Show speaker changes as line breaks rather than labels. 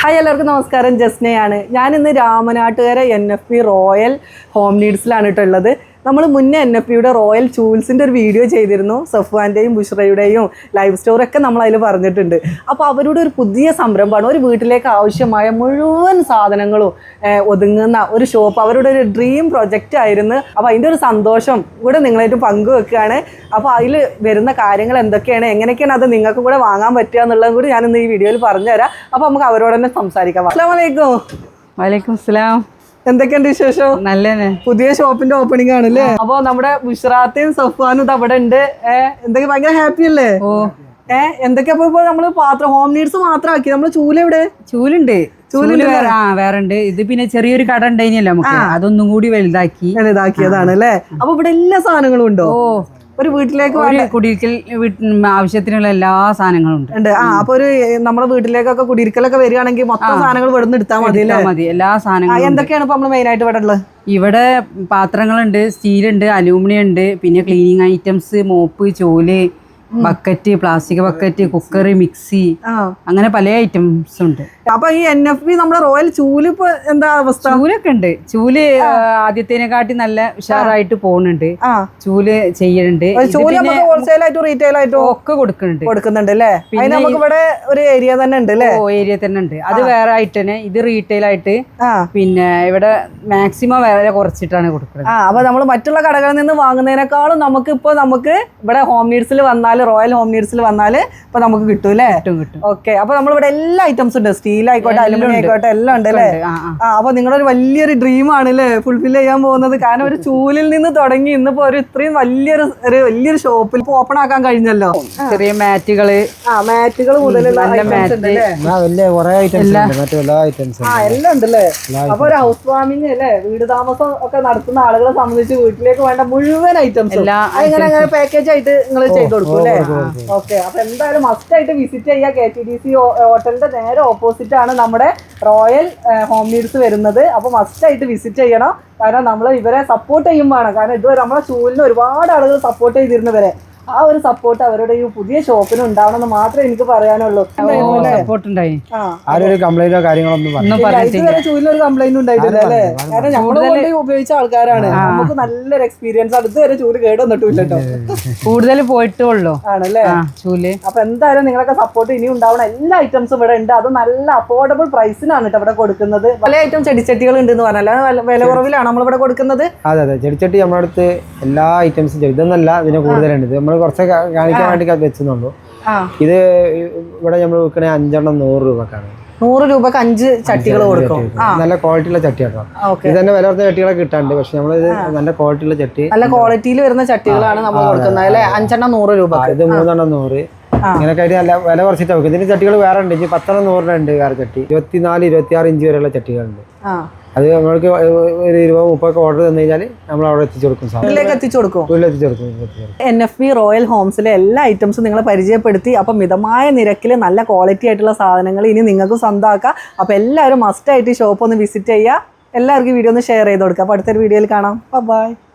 Hi എല്ലാവർക്കും നമസ്കാരം, ജസ്നയാണ്. ഞാനിന്ന് രാമനാട്ടുകര NFP റോയൽ ഹോം നീഡ്സിലാണ് ഉള്ളത്. നമ്മൾ മുന്നേ NFPയുടെ റോയൽ ചൂൾസിൻ്റെ ഒരു വീഡിയോ ചെയ്തിരുന്നു. സഫ്വാൻ്റെയും ബുഷ്രയുടെയും ലൈവ് സ്റ്റോറൊക്കെ നമ്മൾ അതിൽ പറഞ്ഞിട്ടുണ്ട്. അപ്പോൾ അവരുടെ ഒരു പുതിയ സംരംഭമാണ്, ഒരു വീട്ടിലേക്ക് ആവശ്യമായ മുഴുവൻ സാധനങ്ങളും ഒതുങ്ങുന്ന ഒരു ഷോപ്പ്. അവരുടെ ഒരു ഡ്രീം പ്രൊജക്റ്റ് ആയിരുന്നു. അപ്പോൾ അതിൻ്റെ ഒരു സന്തോഷം കൂടെ നിങ്ങളായിട്ട് പങ്കുവെക്കുകയാണ്. അപ്പോൾ അതിൽ വരുന്ന കാര്യങ്ങൾ എന്തൊക്കെയാണ്, എങ്ങനെയൊക്കെയാണ് അത് നിങ്ങൾക്കും കൂടെ വാങ്ങാൻ പറ്റുക എന്നുള്ളതും കൂടി ഞാനിന്ന് ഈ വീഡിയോയിൽ പറഞ്ഞുതരാം. അപ്പോൾ നമുക്ക് അവരോട് തന്നെ സംസാരിക്കാം. അസ്സലാമു അലൈക്കും.
വലൈക്കും അസ്സലാം.
എന്തൊക്കെയുണ്ട് വിശേഷം?
നല്ലതന്നെ.
പുതിയ ഷോപ്പിന്റെ ഓപ്പണിംഗ് ആണല്ലേ? അപ്പൊ നമ്മുടെ ബുഷ്റാത്തയും സഫ്വാനും ഇത് അവിടെ ഉണ്ട്. എന്തൊക്കെ ഭയങ്കര ഹാപ്പി അല്ലേ? എന്തൊക്കെയാ ഇപ്പൊ നമ്മള് പാത്രം ഹോം നീഡ്സ് മാത്രം ആക്കി? നമ്മള് ചൂലെവിടെ?
ചൂലുണ്ട്, വേറെ ഉണ്ട്. ഇത് പിന്നെ ചെറിയൊരു കട ഉണ്ടായിനല്ലോ നമുക്ക്, അതൊന്നും കൂടി
വലുതാക്കിയതാണ് അല്ലേ? അപ്പൊ ഇവിടെ എല്ലാ സാധനങ്ങളും ഉണ്ടോ? ഒരു വീട്ടിലേക്ക്
കുടിയിരിക്കൽ ആവശ്യത്തിനുള്ള എല്ലാ സാധനങ്ങളും ഉണ്ട്.
അപ്പൊ ഒരു നമ്മുടെ വീട്ടിലേക്കൊക്കെ കുടിയിരിക്കലൊക്കെ വരികയാണെങ്കിൽ മൊത്തം സാധനങ്ങൾ ഇവിടെ നിന്ന് എടുത്താൽ
മതി. എല്ലാ സാധനങ്ങളും.
എന്തൊക്കെയാണ് ഇപ്പൊ നമ്മള് മെയിൻ ആയിട്ട് ഇവിടെ ഉള്ളത്?
ഇവിടെ പാത്രങ്ങളുണ്ട്, സ്റ്റീലുണ്ട്, അലൂമിനിയം ഉണ്ട്, പിന്നെ ക്ലീനിങ് ഐറ്റംസ്, മോപ്പ്, ചോല്, bucket, plastic bucket, cooker, mixie, അങ്ങനെ പല ഐറ്റംസ് ഉണ്ട്.
അപ്പൊ ഈ NFP നമ്മുടെ റോയൽ ചൂല് ഇപ്പൊ എന്താ അവസ്ഥ?
ചൂലൊക്കെ ഉണ്ട്. ചൂല് ആദ്യത്തേനെക്കാട്ടി നല്ല ഉഷാറായിട്ട് പോകുന്നുണ്ട്. ചൂല് ചെയ്യുന്നുണ്ട്.
ഹോൾസെയിലായിട്ടും റീറ്റെയിൽ ആയിട്ടും ഒക്കെ കൊടുക്കുന്നുണ്ട് അല്ലേ? പിന്നെ നമുക്ക് ഇവിടെ ഒരു ഏരിയ തന്നെ ഉണ്ട് അല്ലേ?
ഏരിയ തന്നെ ഉണ്ട്. അത് വേറെ ആയിട്ട് തന്നെ, ഇത് റീറ്റെയിൽ ആയിട്ട്. പിന്നെ ഇവിടെ മാക്സിമം വേറെ കുറച്ചിട്ടാണ് കൊടുക്കുന്നത്.
അപ്പൊ നമ്മൾ മറ്റുള്ള കടകളിൽ നിന്ന് വാങ്ങുന്നതിനേക്കാളും നമുക്ക് ഇവിടെ ഹോം നീഡ്സിൽ വന്നാൽ, റോയൽ ഹോം നീഡ്സിൽ വന്നാൽ ഇപ്പൊ നമുക്ക് കിട്ടും അല്ലേ?
കിട്ടും.
ഓക്കെ. അപ്പൊ നമ്മളിവിടെ എല്ലാ ഐറ്റംസും ഉണ്ട്. സ്റ്റീൽ ആയിക്കോട്ടെ, അലുമിനിയം ആയിക്കോട്ടെ, എല്ലാം ഉണ്ട് അല്ലേ? അപ്പൊ നിങ്ങളൊരു വലിയൊരു ഡ്രീം ആണ് അല്ലേ ഫുൾഫിൽ ചെയ്യാൻ പോകുന്നത്? കാരണം ഒരു ചൂലിൽ നിന്ന് തുടങ്ങി ഇന്നിപ്പോ ഒരു ഇത്രയും വലിയൊരു ഷോപ്പിൽ ഓപ്പൺ ആക്കാൻ കഴിഞ്ഞല്ലോ.
ചെറിയ മാറ്റുകള്
മുതലുള്ള എല്ലാം ഉണ്ട് അല്ലേ? അപ്പൊ ഒരു ഹൗസ് വാമിങ് അല്ലേ, വീട് താമസം ഒക്കെ നടത്തുന്ന ആളുകളെ സംബന്ധിച്ച് വീട്ടിലേക്ക് വേണ്ട മുഴുവൻ ഐറ്റംസ് അങ്ങനെ പാക്കേജ് ആയിട്ട് നിങ്ങൾ ചെയ്ത് കൊടുക്കും അല്ലേ? ഓക്കെ. അപ്പൊ എന്തായാലും മസ്റ്റ് ആയിട്ട് വിസിറ്റ് ചെയ്യുക. KTDC ഹോട്ടലിന്റെ നേരെ ഓപ്പോസിറ്റ് ആണ് നമ്മുടെ റോയൽ ഹോം നീഡ്സ് വരുന്നത്. അപ്പോൾ മസ്റ്റ് ആയിട്ട് വിസിറ്റ് ചെയ്യണം. കാരണം നമ്മൾ ഇവരെ സപ്പോർട്ട് ചെയ്യും വേണം. കാരണം ഇതുവരെ നമ്മളെ ചൂലിന് ഒരുപാട് ആളുകൾ സപ്പോർട്ട് ചെയ്തിരുന്നവരെ, ആ ഒരു സപ്പോർട്ട് അവരുടെ ഈ പുതിയ ഷോപ്പിന് ഉണ്ടാവണം എന്ന് മാത്രമേ എനിക്ക് പറയാനുള്ളൂ. ഇതുവരെ ചൂലിനൊരു കംപ്ലൈന്റ് ഉണ്ടായിട്ടില്ല അല്ലേ? കാരണം നമ്മൾ ഉപയോഗിച്ച ആൾക്കാരാണ്, നമുക്ക് നല്ലൊരു എക്സ്പീരിയൻസ് ആണ്. ഇതുവരെ ചൂല് കേടുവന്നിട്ടില്ല കേട്ടോ,
കൂടുതൽ പോയിട്ടുള്ളൂ
ആണല്ലേ ചൂല്. അപ്പൊ എന്തായാലും നിങ്ങളൊക്കെ സപ്പോർട്ട് ഇനി ഉണ്ടാവണം. എല്ലാ ഐറ്റംസും ഇവിടെ ഉണ്ട്. അത് നല്ല അഫോർഡബിൾ പ്രൈസിനാണ് കേട്ടോ ഇവിടെ കൊടുക്കുന്നത്. പല ഐറ്റം ചെടിച്ചട്ടികൾ ഉണ്ടെന്ന് പറഞ്ഞാൽ വില കുറവിലാണ് നമ്മളിവിടെ കൊടുക്കുന്നത്.
അതെ അതെ, ചെടിച്ചട്ടി നമ്മുടെ അടുത്ത് എല്ലാ ഐറ്റംസും ഇതൊന്നല്ല, ഇതിന് കൂടുതലുണ്ട്. നമ്മൾ കുറച്ച് കാണിക്കാൻ വേണ്ടി വെച്ചെന്നുള്ളൂ. ഇത് ഇവിടെ നമ്മൾ വിൽക്കണേ 5 എണ്ണം 100 രൂപക്കാണ്.
100 രൂപക്ക് 5 ചട്ടികൾ കൊടുക്കും.
നല്ല ക്വാളിറ്റിയുള്ള ചട്ടി കേട്ടോ. ഇത് തന്നെ വില കുറഞ്ഞ ചട്ടികളൊക്കെ കിട്ടാണ്ട്, പക്ഷെ നമ്മളിത് നല്ല ക്വാളിറ്റിയുള്ള ചട്ടി,
നല്ല ക്വാളിറ്റിയിൽ വരുന്ന ചട്ടികളാണ് നമ്മൾ കൊടുക്കുന്നത് അല്ലെ? 5 എണ്ണം 100 രൂപ.
ഇത് 3 എണ്ണം 100. ഇങ്ങനെയൊക്കെ ആയിട്ട് നല്ല വില കുറച്ചിട്ട് വെക്കും. ഇതിന് ചട്ടികൾ വേറെ ഉണ്ട്. 10 എണ്ണം 100 ഉണ്ട് വേറെ ചട്ടി. 24, 26 ഇഞ്ച് വരെയുള്ള ചട്ടികളുണ്ട്. അത് നമ്മൾക്ക് ഒരു 20-30 ഓർഡർ തന്നു കഴിഞ്ഞാൽ നമ്മൾ അവിടെ എത്തിച്ചു കൊടുക്കും. NFP റോയൽ ഹോംസിലെ എല്ലാ ഐറ്റംസും നിങ്ങളെ പരിചയപ്പെടുത്തി. അപ്പം മിതമായ നിരക്കിൽ നല്ല ക്വാളിറ്റി ആയിട്ടുള്ള സാധനങ്ങൾ ഇനി നിങ്ങൾക്ക് സ്വന്തമാക്കാം. അപ്പം എല്ലാവരും മസ്റ്റ് ആയിട്ട് ഷോപ്പ് ഒന്ന് വിസിറ്റ് ചെയ്യുക. എല്ലാവർക്കും വീഡിയോ ഒന്ന് ഷെയർ ചെയ്ത് കൊടുക്കുക. അപ്പോൾ അടുത്തൊരു വീഡിയോയിൽ കാണാം. ബൈ.